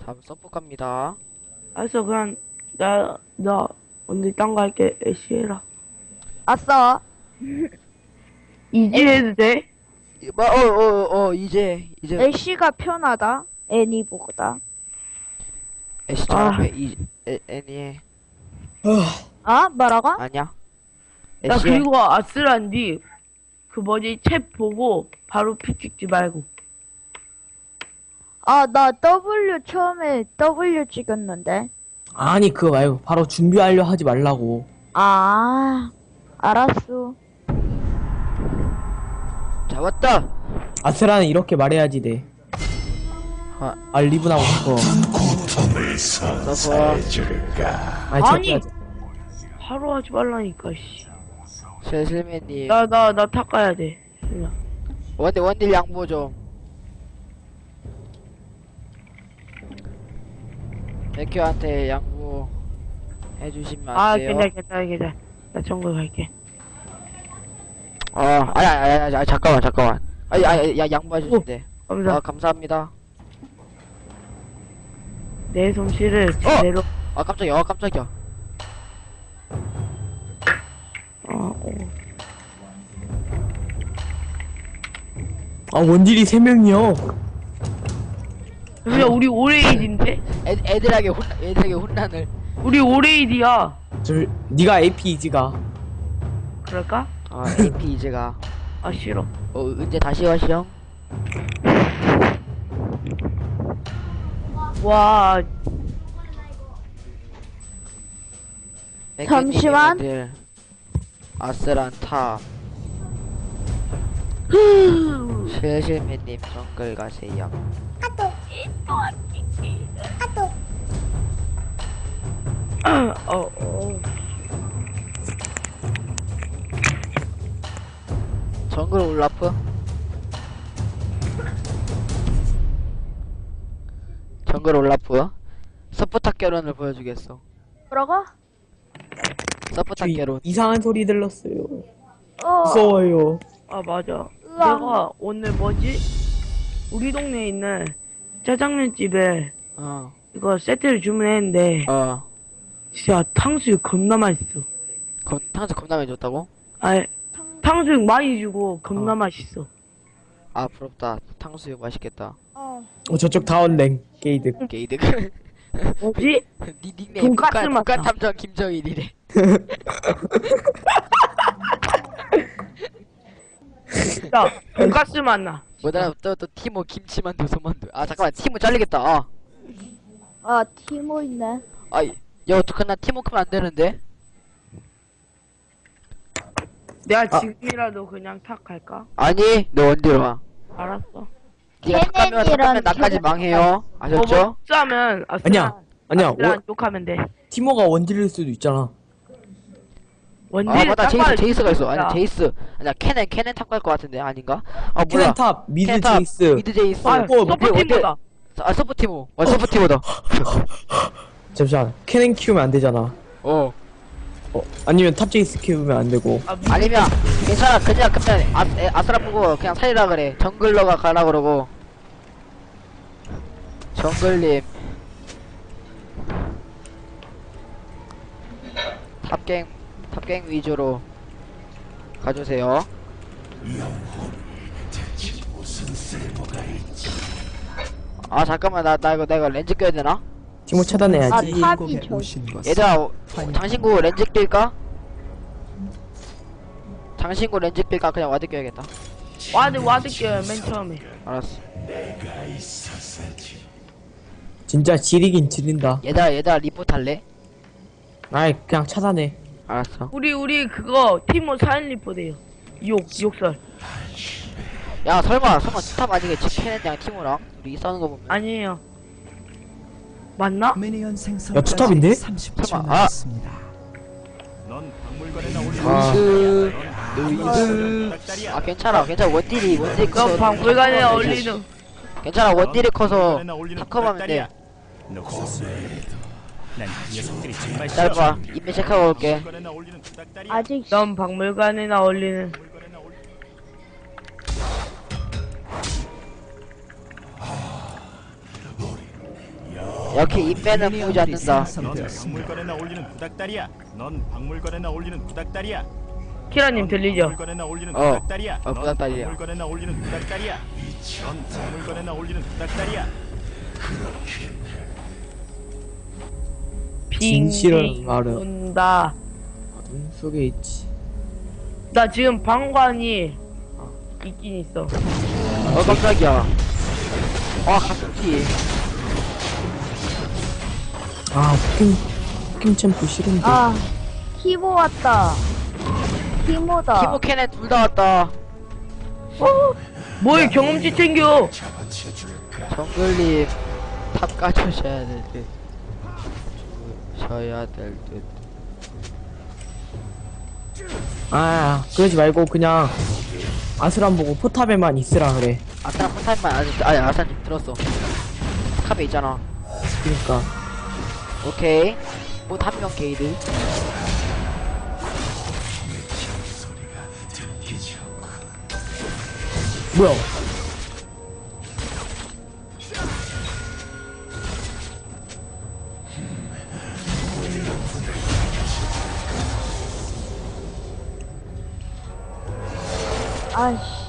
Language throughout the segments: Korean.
다음 서포 갑니다. 알았어, 그냥, 나, 언제 딴 거 할게. 애쉬 해라. 아싸. 이지 해도 돼? 이제 애쉬가 편하다. 애니보다. 애쉬처럼 애니 아? 뭐라고? 아니야? 나 애쉬 그리고 아슬란디, 그 뭐지, 챗 보고, 바로 피 찍지 말고. 아, 나 W 처음에 W 찍었는데. 아니 그거 말고 바로 준비 완료 하지 말라고. 아, 알았어. 잡았다. 아스라는 이렇게 말해야지 돼. 아 리븐하고 싶어. 서포 아니! 아니 바로 하지 말라니까, 씨. 실실맨님 나 탁 가야 돼. 그냥. 원딜 양보 좀. 백효한테 양보 해주시면 안 아, 돼요? 괜찮아. 나 정글 갈게. 아니, 잠깐만. 야, 양보해주신대. 감사. 감사합니다. 내 솜씨를 제대로, 깜짝이야. 아 원딜이 3명이요. 그냥 우리 오레이디인데? 애들에게 혼란을. 우리 오레이디야. 저 네가 AP 이지가. 그럴까? AP 이제가. 아, 싫어. 언제 다시 와시영? 와, 잠시만. 아스란 탑. 실실맨님 정글 가세요. 정글 올라프? 정글 올라프? 서포탑 결혼을 보여주겠어. 뭐라고? 서포탑 결혼. 이상한 소리 들렸어요. 어. 무서워요. 아, 맞아. 으아. 내가 오늘 뭐지? 우리 동네에 있는 짜장면 집에 이거 세트를 주문했는데, 진짜 탕수육 겁나 맛있어. 탕수 겁나 많이 줬다고? 아, 탕수육 많이 주고 겁나 맛있어. 아 부럽다. 탕수육 맛있겠다. 저쪽 다운랭 게이드. 게이드. 뭐지? 니 닉네임 돈가스 맛나. 북한 탐정 김정일이래. 야, 돈가스 맛나. 뭐더라 또 티모 김치만두 소만두. 아 잠깐만 티모 잘리겠다. 아, 티모 있네. 야 어떡하나 티모 크면 안 되는데? 내가 지금이라도 그냥 탁 갈까? 아니 너 원딜 와. 알았어. 니가 탁하면 나까지 망해요. 아셨죠? 싸면 아니야. 욕하면 돼. 티모가 원딜일 수도 있잖아. 원딜 맞다 제이스가 있어. 아니 야. 제이스. 아니야 캐넨 탑 갈 것 같은데 아닌가? 몰라. 캐넨탑 미드 캐넨 탑, 제이스. 미드 제이스. 아, 뭐, 서포팀보다. 서포 티모. 서포 티모다. 잠시만 캐넨 키우면 안 되잖아. 아니면 탑 제이스 키우면 안 되고. 아니면 괜찮아 그냥 아스라 보고 그냥 살리라 그래. 정글러가 가라 그러고. 정글님 탑갱 위주로 가주세요. 아 잠깐만 나 이거 렌즈 껴야 되나? 티모 차단해야지. 아, 탑이 저. 얘들아 장신구 렌즈 낄까? 장신구 렌즈 낄까? 그냥 와드 껴야겠다. 와드 껴요, 맨 처음에. 알았어. 진짜 지리긴 지린다. 얘들아 리포트 할래? 아이 그냥 차단해. 알았어. 우리 그거 티모 사인 리포드예요. 욕설. 야 설마 스탑 아니겠지? 캐넨이랑 티모랑 우리 싸우는 거 보면. 아니에요. 맞나? 야 투탑인데? 설마 루이드 아 괜찮아 원딜이 너 커서 방불간에 어울리는. 괜찮아 원딜이 커서 탑컴하면 돼. 짧아 인맥 체크하고 올게. 아직 넌 박물관에나 어울리는. 역시 인매는 보지 않는다. 넌 박물관에나 올리는 구닥다리야. 넌 박물관에나 올리는 구닥다리야. 키라님 들리죠? 박물관에나 올리는 구닥다리야. 넌 구닥다리야. 박물관에나 올리는 구닥다리야. 넌 박물관에나 올리는 구닥다리야. 진실은 빙빙 말은 돈다. 어둠 속에 있지. 나 지금 방관이 있긴 있어. 깜짝이야. 가슴기. 포킹 챔프 싫은데. 아, 티모 왔다. 티모다. 티모캔에 둘 다 왔다. 뭐야 경험치 챙겨. 정글님 탑 까주셔야 될 듯. 셔야 될 듯. 그러지 말고 그냥 아스란 보고 포탑에만 있으라 그래. 아스란 포타임만 아니 아스란 좀 들었어. 탑에 있잖아. 그니까. 오케이. 못 한 명 게이드. 뭐야? 아이씨.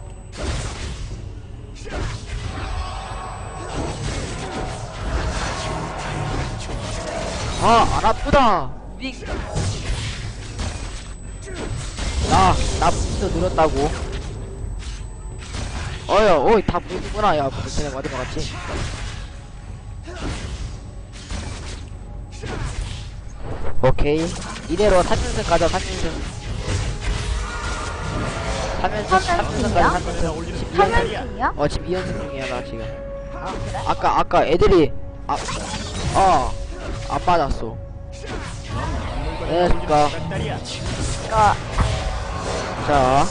안 아프다. 삑. 나 부스터 늘었다고. 다 보이구나. 야, 쟤네 맞은 거 같지? 오케이. 이대로 3연승 가자, 3연승. 3연승 가자, 3연승. 3연승이야? 지금 2연승 중이야, 나 지금. 아, 그래? 아까 애들이, 안 맞았어. 그러니까. 구닥다리야. 아, 자,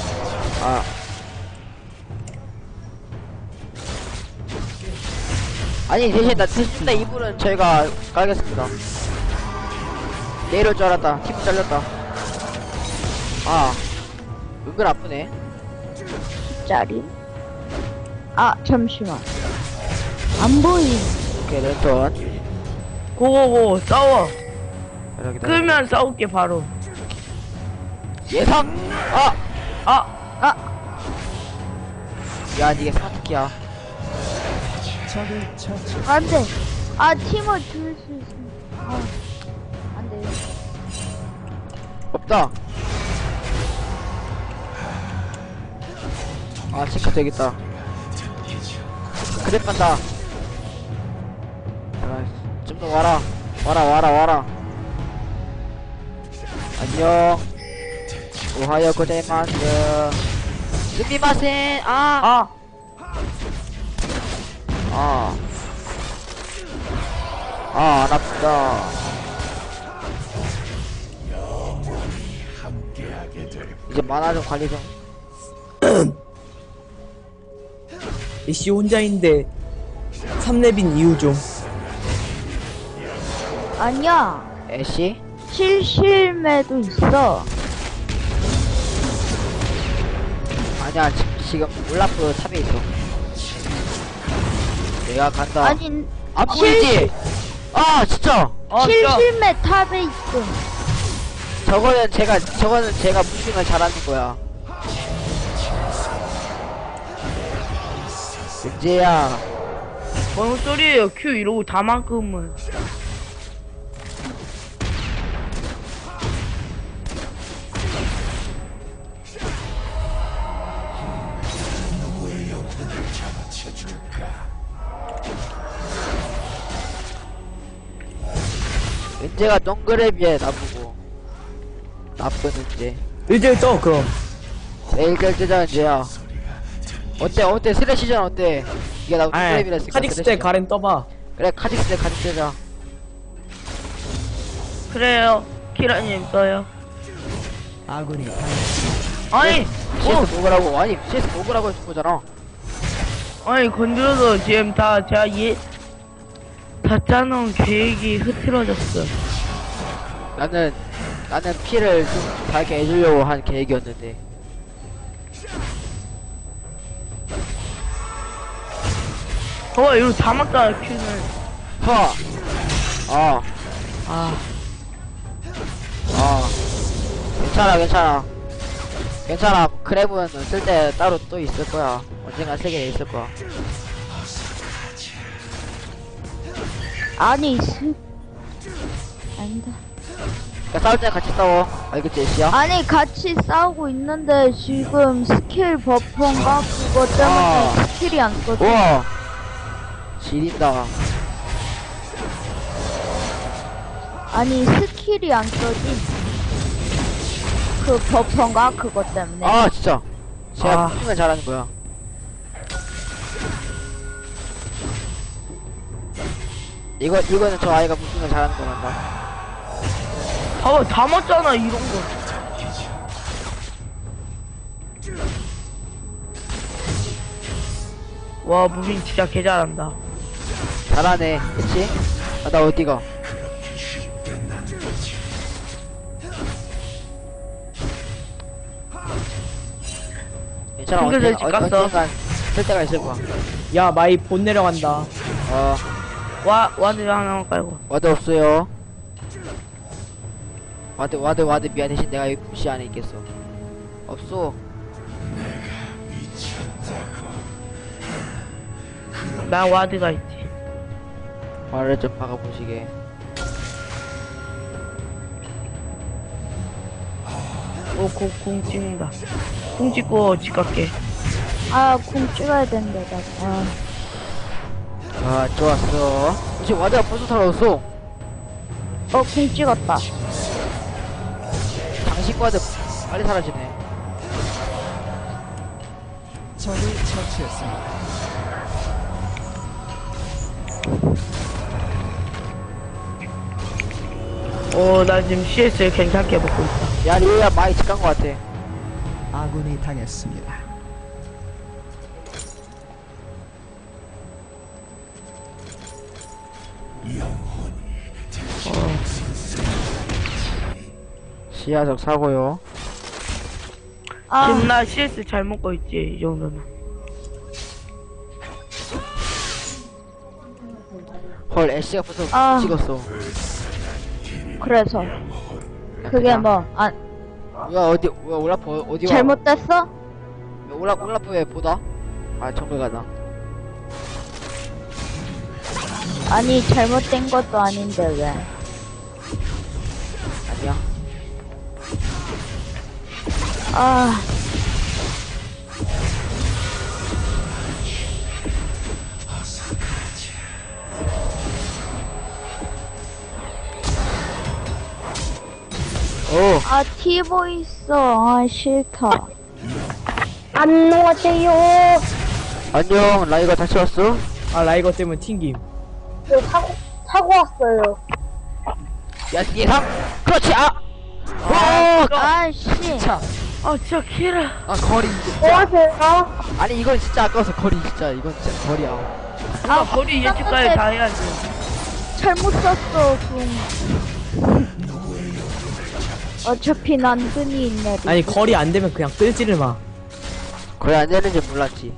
아니 대신 내 이불은 저희가 깔겠습니다. 내일 올 줄 알았다. 팀 잘렸다. 은근 아프네. 짜리. 아, 잠시만. 안 보임. 오케이, 랜턴. 고고고 싸워. 여기다. 끄면 싸울게 바로. 예상. 아 야, 이게 스마트키야. 안 돼. 아, 티모 줄 수 있어. 안 돼. 없다. 체크 되겠다. 그랩 간다. 좀 더 와라. 와라. 안녕. 오하요 고자이마스. 스미마센. 안 아프다. 이제 만화 좀 관리 좀. 애쉬 혼자인데 3렙인 이유 좀. 아니야. 애쉬? 실실매도 있어. 아니야, 지금 올라프 탑에 있어. 내가 간다. 아니, 안 보이지? 진짜! 실실매 탑에 있어. 저거는 제가 무빙을 잘하는 거야. 은재야. 뭔 소리예요? Q 이러고 다만큼은. 은재가 동그래비에 나보고. 나쁜 은재. 일절 떠 그럼. 내일 결제자 은재야. 어때? 스레시전 어때? 이게 나 동그래비라 했으니까. 카직스 때 가렌 떠봐. 그래, 카직스 때 가직제자. 그래요. 키라님 써요. 아군이 아니 CS 먹으라고. 아니, CS 먹으라고 해준 거잖아. 건드려서 지금 다 짜놓은 계획이 흐트러졌어. 나는 피를 좀 달게 해주려고 한 계획이었는데. 이거 다 맞다 Q는. 어. 아, 괜찮아, 괜찮아. 괜찮아. 크랩은 쓸 때 따로 또 있을 거야. 언젠가 세계에 있을 거야. 아니 아니다. 그러니까 싸울 때 같이 싸워. 알겠지, 애쉬야? 아니 같이 싸우고 있는데 지금 스킬 버퍼인가 그거 때문에 스킬이 안 써져. 우와. 지린다. 아니 스킬이 안 써지. 그 버퍼인가 그거 때문에. 아, 진짜. 제가 아. 무슨 잘하는 거야. 이거는 저 아이가 무슨 잘하는 거란다. 다 맞잖아, 이런 거. 와, 무빙 진짜 개 잘한다. 잘하네. 그치? 아, 나 어디가? 괜찮아. 친구들 집 갔어. 언젠간 쓸 때가 있을 거야. 야 마이 본 내려간다. 와드 하나만 깔고. 와드 없어요. 와드 미안. 대신 내가 이 부시 안에 있겠어. 없어. 난 와드가 있지. 말을 좀 박아보시게. 오, 공 찍는다. 공 찍고 집 갈게. 공 찍어야 된다. 나. 아, 좋았어. 지금 와드가 벌써 사라졌어. 공 찍었다. 장식 와드 빨리 사라지네. 적을 처치했습니다. 나 지금 CS 괜찮게 먹고 있다. 야, 리오야 많이 직간 거 같아. 아군이 당했습니다. 시야적 사고요. 지금 나 CS 잘 먹고 있지, 이 정도면. 헐, 애쉬가 벌써 찍었어. 그래서 그게 뭐 왜 올라프 어디 와? 잘못됐어? 왜 올라프 왜 보다? 아, 정글 가다. 아니 잘못된 것도 아닌데 왜? 아니야. 오. 티보 있어. 싫다. 안녕하세요. 안녕, 라이가 다시 왔어? 아 라이거 때문에 튕김. 저 타고 왔어요. 야, 예상? 그렇지, 와! 씨. 차. 진짜 키라. 거리, 뭐 진짜. 하세요? 아니, 이건 진짜 아까워서 거리, 진짜. 이건 진짜 거리야. 거리 예측까지 다 해야지. 잘못 썼어. 어차피 난근이 있네. 아니 거리 안 되면 그냥 끌지를 마. 거리 안 되는지 몰랐지.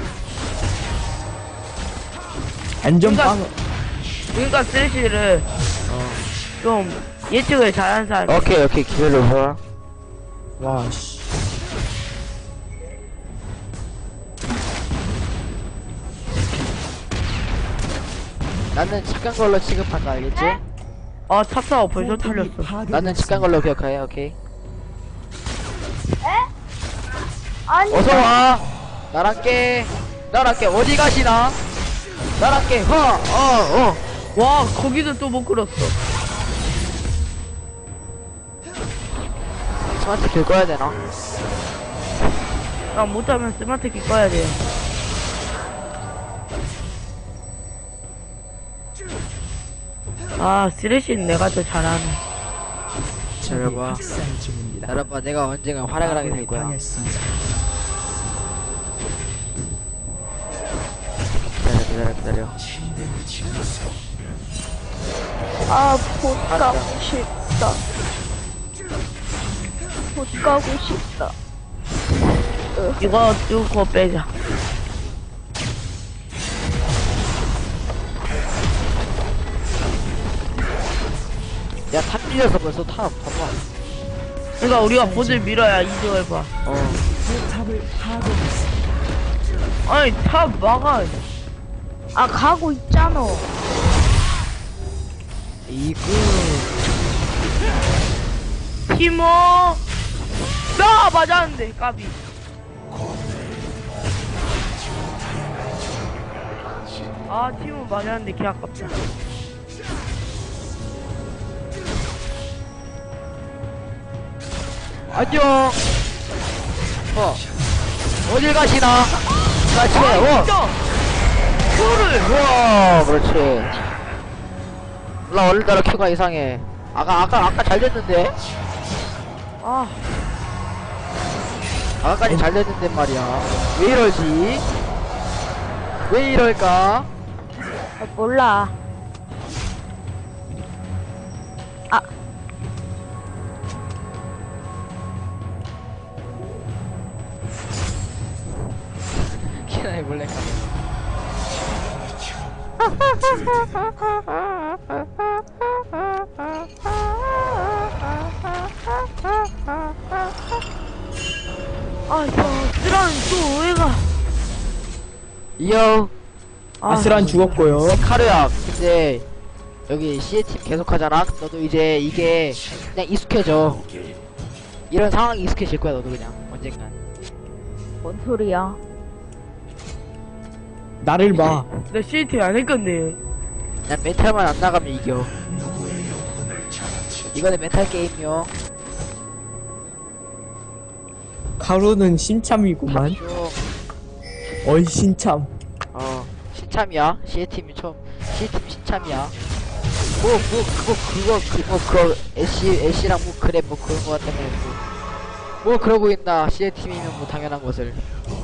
안전빵. 그러니까 쓰레쉬를 좀 예측을 잘하는 사람. 오케이, 기다려봐. 와 씨. 나는 직간 걸로 취급한다, 알겠지? 탑사가 벌써 털렸어. 나는 직간 걸로 기억해, 오케이? 아니 어서와! 나랑 깨! 어디 가시나? 나랑 깨! 와, 거기도 또 못 끌었어. 스마트 길 꺼야 되나? 못하면 스마트 키 꺼야 돼. 쓰레쉬는 내가 더 잘하네. 기다려봐. 학살 중입니다. 기다려봐, 내가 언젠가 활약을 하게 될 아군이 거야. 당했습니다. 기다려. 못 가고 싶다. 못 가고 싶다. 이거 뚫고 빼자. 야, 탑 밀려서 벌써 탑, 봐봐. 그러니까 우리가 보드를 밀어야 이득을 봐. 탑을 파괴했습니다. 아니 탑 막아. 아, 가고 있잖아. 이거. 티모. 나 맞았는데 까비. 아 티모 맞았는데 개 아깝다. 안녕. 어딜 가시나? 그렇지. 진짜. 큐를. 우와, 그렇지. 몰라, 오늘따라 큐가 이상해. 아까 잘 됐는데? 아 아까까지 잘 됐는데 말이야. 왜 이러지? 왜 이럴까? 아, 몰라. 아, 키나에 몰래 가. 아, 저 쓰라는 또 왜가? 이요. 아스란 죽었고요. 카르야, 근데 여기 CA팀 계속 하잖아? 너도 이제 이게 그냥 익숙해져. 이런 상황이 익숙해질 거야, 너도 그냥. 언젠간. 뭔 소리야. 나를 봐. 나 CT 안 할 건데. 그냥 멘탈만 안 나가면 이겨. 이거는 멘탈 게임이요. 가루는 신참이구만. 쭉. 어이 신참. 신참이야. CA팀이 CA팀 신참이야. 애쉬랑 뭐 그래, 뭐 그런 거 같다며. 뭐 그러고 있나. CA팀이면 뭐 당연한 것을.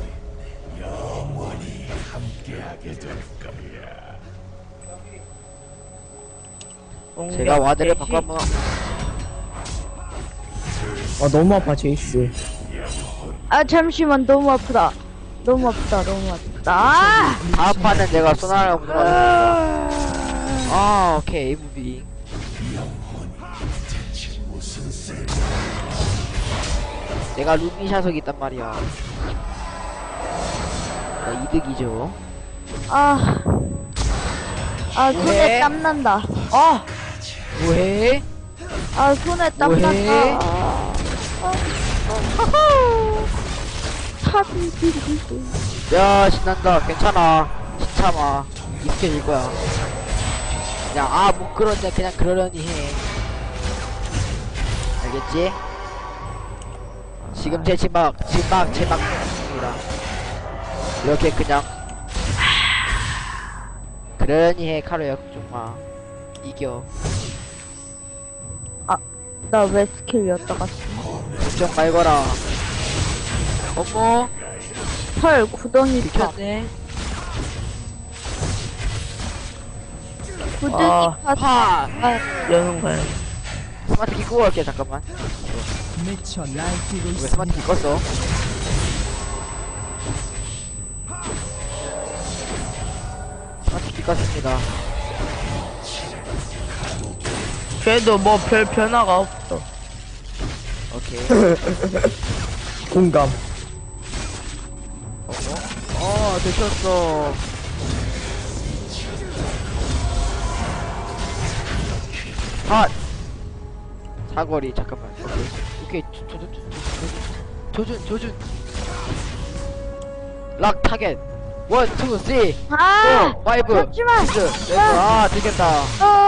제가 와드를 바꿔 한번. 너무 아파 제이스. 아, 잠시만. 너무 아프다. 너무 아프다. 너무 아프다. 아! 다음 판은 내가 소나를 아, 오케이, 무비. 내가 루미 샤석이 있단 말이야. 이득이죠. 아. 아, 손에 왜? 땀난다. 아, 뭐해? 아, 손에 뭐해? 땀난다. 탑이 야, 신난다. 괜찮아. 신참아. 익숙해질 거야. 그냥, 뭐 그런데 그냥 그러려니 해. 알겠지? 지금 제 지막 입니다. 이렇게 그냥. 그러니 해, 카루야. 걱정 마. 이겨. 나 왜 스킬 였다 갔어? 걱정 말거라. 어머, 헐, 구덩이 파. 비켰네. 구덩이 아, 파. 파! 여는 거야. 스마트 키 끄고 갈게, 잠깐만. 미쳐 날뛰고 왜 있습니다. 스마트 키 껐어? 스마트 키 껐습니다. 그래도 뭐 별 변화가 없어. 오케이. 공감. 들켰어. 사거리, 잠깐만. 오케이. 조준. 락 타겟. 1, 2, 3, 아! 4, 5, 잠시만. 6. 들켰다.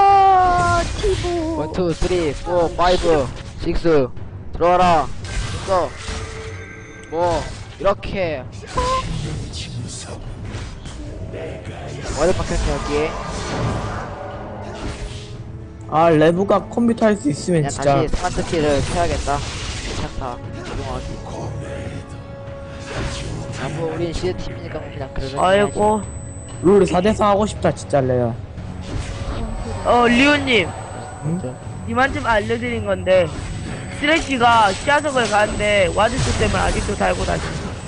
티보. 1, 2, 3, 4, 5, 6. 들어와라. 됐어. 뭐, 이렇게. 어디 박혔냐, 여기에. 레브가 컴퓨터 할 수 있으면 그냥 진짜. 다시 스마트 키를 켜야겠다. 괜찮다. 조용하기. 뭐, 우린 시드팀이니까 뭐 그냥 그러면. 아이고. 룰 4대4 하고 싶다 진짜 레야. 리오님. 님한테 알려드린 건데, 쓰레기가 시야석을 가는데, 와드스 때문에 아직도 달고 다니.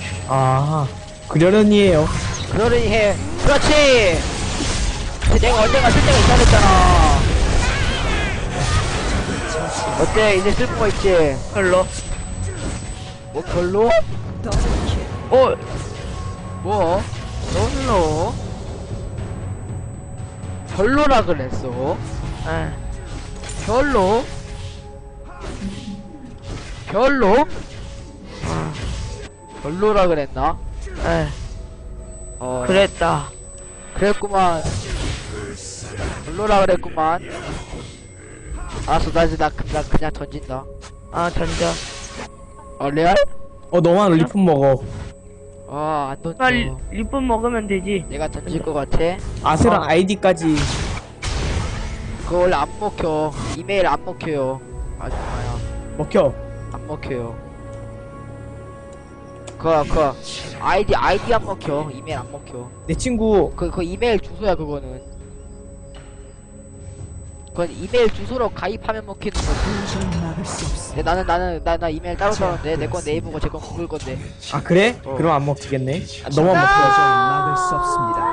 그러려니 해요. 그러려니 해. 그렇지! 근데 내가 언젠가 쓸 때가 있다 그랬잖아. 어때? 이제 쓸 거 있지? 별로. 뭐 별로? 어, 뭐? 별로? 별로라 그랬어? 에. 별로? 별로? 별로라 그랬나? 에. 어 그랬다. 그랬구만. 별로라 그랬구만. 알았어, 나 이제 나 그냥 던진다. 아, 던져. 레알? 너만 리폰 먹어. 안 던져. 나 리본 먹으면 되지. 내가 던질 것 같아. 아세랑 아이디까지. 그거 원래 안 먹혀. 이메일 안 먹혀요. 아줌마야. 먹혀. 안 먹혀요. 아이디 안 먹혀. 이메일 안 먹혀. 내 친구 그 이메일 주소야, 그거는. 그건 이메일 주소로 가입하면 먹히는 거지. 도저히 막을 수 없어. 근데 나 이메일 따로 따는데 내 건 네이버고 제 건 구글 건데. 아 그래? 어. 그럼 안 먹히겠네. 너만 먹혀. 도저히 막을 수 없습니다.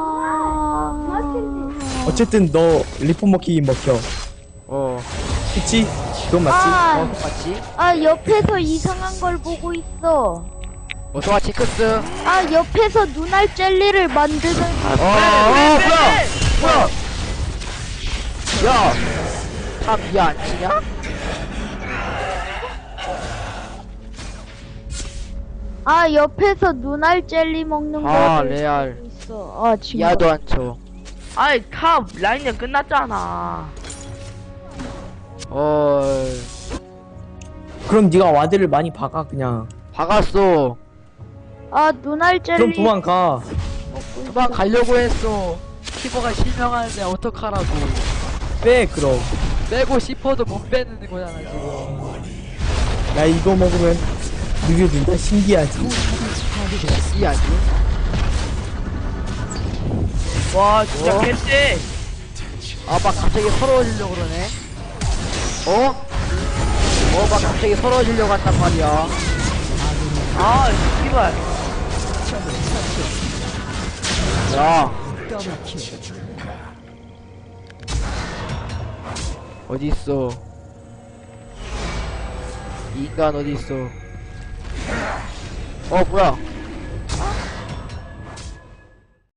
어쨌든 너 리폰 먹히긴 먹혀. 그치? 그건 맞지? 그거 맞지? 옆에서 이상한 걸 보고 있어. 어서와 징크스. 옆에서 눈알 젤리를 만드는. 뭐야? 야, 다 미야 안 치냐? 옆에서 눈알 젤리 먹는 걸 레알. 보고 있어. 지금. 미야도 안 쳐. 아이, 탑 라인은 끝났잖아. 그럼 네가 와드를 많이 박아 그냥. 박았어. 눈알 젤리. 그럼 도망가. 도망가려고 했어. 키보가 실명하는데 어떡하라고. 빼 그럼. 빼고 싶어도 못 빼는 거잖아 지금. 야 이거 먹으면 느려진다. 신기하지? 이해하지? 와, 진짜 개쎄. 막 갑자기 서러워지려고 그러네. 막 갑자기 서러워지려고 한단 말이야. 아, 씨발. 야, 더블킬. 어디 있어? 이 인간 어디 있어? 뭐야?